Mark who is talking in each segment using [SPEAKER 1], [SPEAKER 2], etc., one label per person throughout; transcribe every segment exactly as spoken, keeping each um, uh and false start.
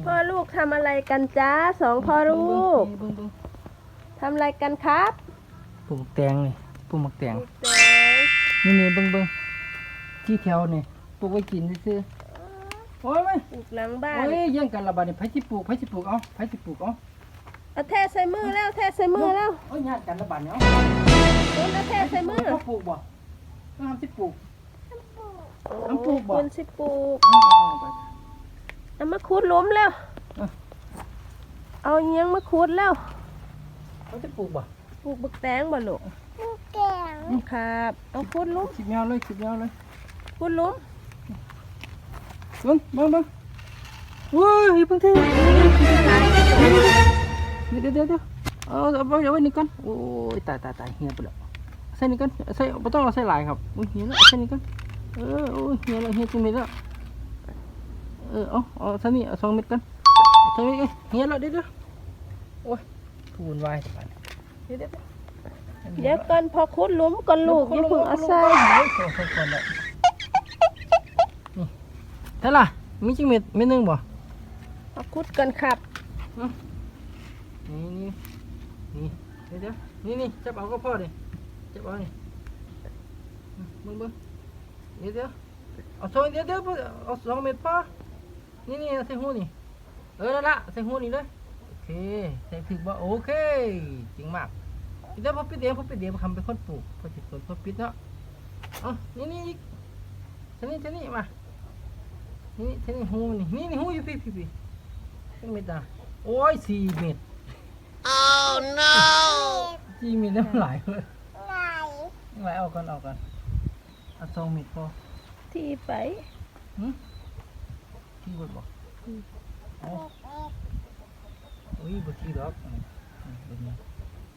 [SPEAKER 1] พ่อลูกทำอะไรกันจ้าสองพ่อลูกทำอะไรกันครับ
[SPEAKER 2] ปลูกแตงนี่ปลูกหมักแตง
[SPEAKER 1] แตง
[SPEAKER 2] นี่นี่เบิ้งเบิ้งที่แถวนี่ปลูกไว้กินซื่อๆโอ้ยไม่
[SPEAKER 1] ปลูกหลังบ้าน
[SPEAKER 2] โอ้ยแย่งกันละบาดนี่ไผสิปลูกไผสิปลูกเอาไผสิปลูกเอา
[SPEAKER 1] เอาแท้ใส่มือแล้วแท้ใส่มือแล้ว
[SPEAKER 2] โอ้ยญาติกันละบาดเนี่ย
[SPEAKER 1] โอ้ยแล้วแท้ใส่มือ
[SPEAKER 2] เขาปลูกบ่ต้องทำสิปลูก
[SPEAKER 1] โอ้
[SPEAKER 2] น้ำปลูกบ่
[SPEAKER 1] คุณสิปลูก
[SPEAKER 2] เอาเอาไป
[SPEAKER 1] เอามาคูดหล้มแล้ว
[SPEAKER 2] เอา
[SPEAKER 1] เอาเงี้ยงมาคูดแล้ว
[SPEAKER 2] เขาจะปลูกบ่
[SPEAKER 1] ปลูกบักแตงบ่ลูกแตงครับเอาคูดหล้ม
[SPEAKER 2] คิดแนวเลยคิดแนวเลย
[SPEAKER 1] คูดหล้ม
[SPEAKER 2] เบิ้งเบิ้งเบิ้งโอ้ยเพิ่งเทเดี๋ยวเดี๋ยวเดี๋ยวเอาเอาเอาไว้นี่ก่อนโอ้ยตายตายตายเหี่ยไปแล้วใส่นี่ก่อนใส่ไม่ต้องเราใส่หลายครับโอ้ยเหี่ยแล้วใส่นี่ก่อนเออโอ้ยเหี่ยแล้วเหี่ยจริงเลยแล้วเออเอาเอาใส่นี่เอาสองเม็ดก่อนใส่นี่เหี่ยแล้วเดี๋ยวเดี๋ยวโอ้ยทูนวายสบายเดี๋ยวเดี๋ยว
[SPEAKER 1] เดี๋ยวก่อนพอคูดหล้มก่อนลูกอย่าเพิ่งเอาใส่
[SPEAKER 2] นี่เท่าไหร่มีจังเม็ดเม็ดนึงบ่
[SPEAKER 1] เอาคูดกันครับ
[SPEAKER 2] นี่นี่นี่เดี๋ยวเดี๋ยวนี่นี่จับเอาก็พอดิจับเอานี่มึงมึงเดี๋ยวเดี๋ยวเอาสองเดี๋ยวเดี๋ยวเอาสองเม็ดพอนี่นี่ใส่หูนี่เออนั่นละใส่หูนี่เลยโอเคใส่พริกบ่โอเคจริงมากเดี๋ยวพอปิดเดี๋ยวพอปิดเดี๋ยวทำเป็นคนปลูกพอจิตพอปิดเนาะอ๋อนี่นี่อีกเท่านี้เท่านี้มานี่เท่านี้หูนี่นี่นี่หูอยู่พี่พี่พี่เป็นเม็ดอ่ะโอ้ยสี่เม็ดOh no จีมีน้ำไหลเลยไหลออกกันออกกันเอาสองเม็ดพอ
[SPEAKER 1] ที่ไป
[SPEAKER 2] หืมที่บดบอกเอาโอ้ยบดที่ดอกอืมบดนี้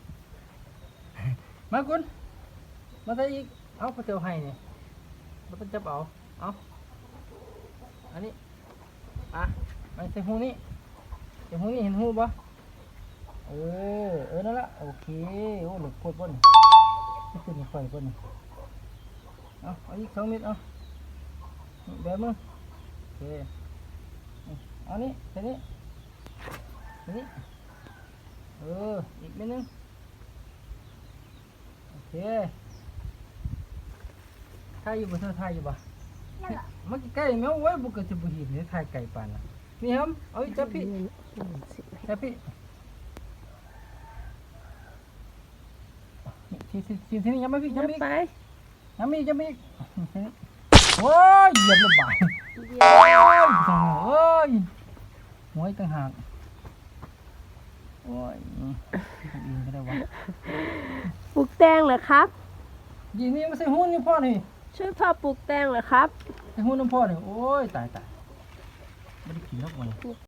[SPEAKER 2] มาคุณมาได้อีกเอาพระเจ้าให้เนี่ยมาต้องจับเอาเอาอันนี้อ่ะมาใส่หูนี่ใส่หูนี่เห็นหูบ่เออเออนั่นละโอเคโอ้หลุดพูดบ่นนี่คือนี่ข่อยบ่นเอาเอาอีกสองเม็ดเอานี่แบบมึงโอเคนี่เอานี่ใส่นี่ใส่นี่เอออีกเม็ดนึงโอเคถ่ายอยู่บ่เธอถ่ายอยู่บ่มันใกล้แมวไว้บุกกระจะบุหินนี่ถ่ายไก่ปานน่ะนี่ครับเอาอีกจับพี่จับพี่ทีทีทีทีนี้ยังไม่พี่ยังไม่
[SPEAKER 1] ไป
[SPEAKER 2] ยังไม่ยังไม่โอ้ยเหยียบระบายโอ้ยหัวต่างหากโอ้ยอินก็ได้วะ
[SPEAKER 1] ปลูกแตงเหรอครับ
[SPEAKER 2] ยีนี่ไม่ใช่หุ้นนี่พ่อนี่
[SPEAKER 1] ช่วยพ่อปลูกแตงเหรอครับ
[SPEAKER 2] ใช่หุ้นน้ำพ่อนี่โอ้ยตายตายไม่ได้กินนกมัน